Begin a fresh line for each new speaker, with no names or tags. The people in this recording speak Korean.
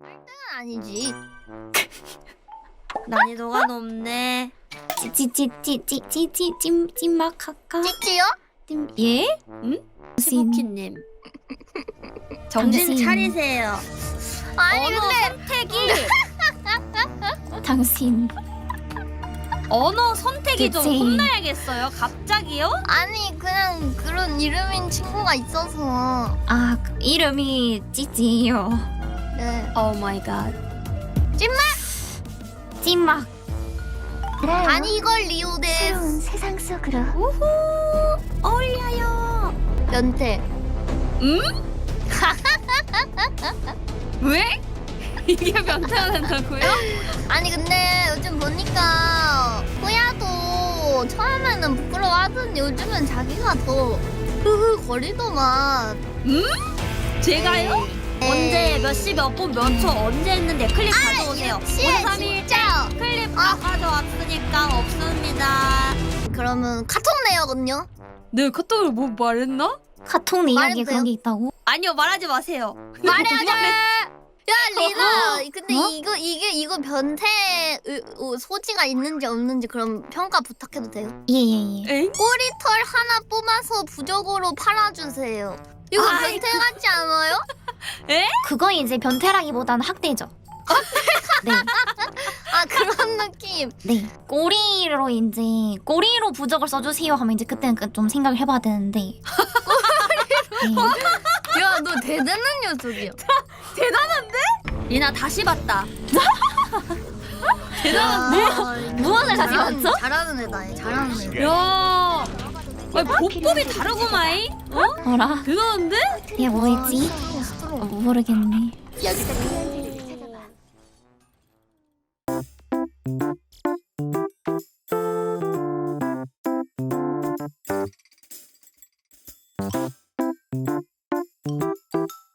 아니지.
난이도가 높네.
찜막 할까?
찌찌요?
예?
시부키님 정신
당신.
차리세요.
아니
언어
근데
선택이
당신
언어 선택이 좀
그치.
혼나야겠어요. 갑자기요?
아니 그냥 그런 이름인 친구가 있어서.
아 이름이 찌찌요.
네.
오 마이 갓.
찜막
아니 이걸 리오데
새로운 세상 속으로.
어울려요.
연태.
왜? 이게 변태가 된다고요?
아니 근데 요즘 보니까 호야도 처음에는 부끄러워하더니 요즘은 자기가 더 흐흐거리더만.
제가요? 언제 몇 시 몇 분 몇 초 언제 했는데 클립 가져오세요.
유치해
5, 3, 1
진짜.
클립 다 가져왔으니까 없습니다.
그러면 카톡 내역은요?
네, 카톡을 뭐 말했나?
카톡 내역에
말해도
그런 게 있다고?
아니요, 말하지 마세요.
말해야지. 야 리나, 근데
어?
이거 변태 소지가 있는지 없는지 그럼 평가 부탁해도 돼요?
예예예.
에잉?
꼬리털 하나 뽑아서 부적으로 팔아주세요. 이거
아이,
변태 같지 않아요?
그거 이제 변태라기보다는 학대죠. 네,
아 그런 느낌.
네. 꼬리로 이제 꼬리로 부적을 써주세요 하면 이제 그때는 좀 생각을 해봐야 되는데. 네.
야 너 대단한 녀석이야.
리나 다시 봤다.
무엇을 다시
잘하는-
봤죠?
잘하는 애다. 잘하는 애.
야, 아니, 보법이 다르구마이. 어?
뭐라?
대단한데?
얘 뭐였지? 모르겠네.
여기서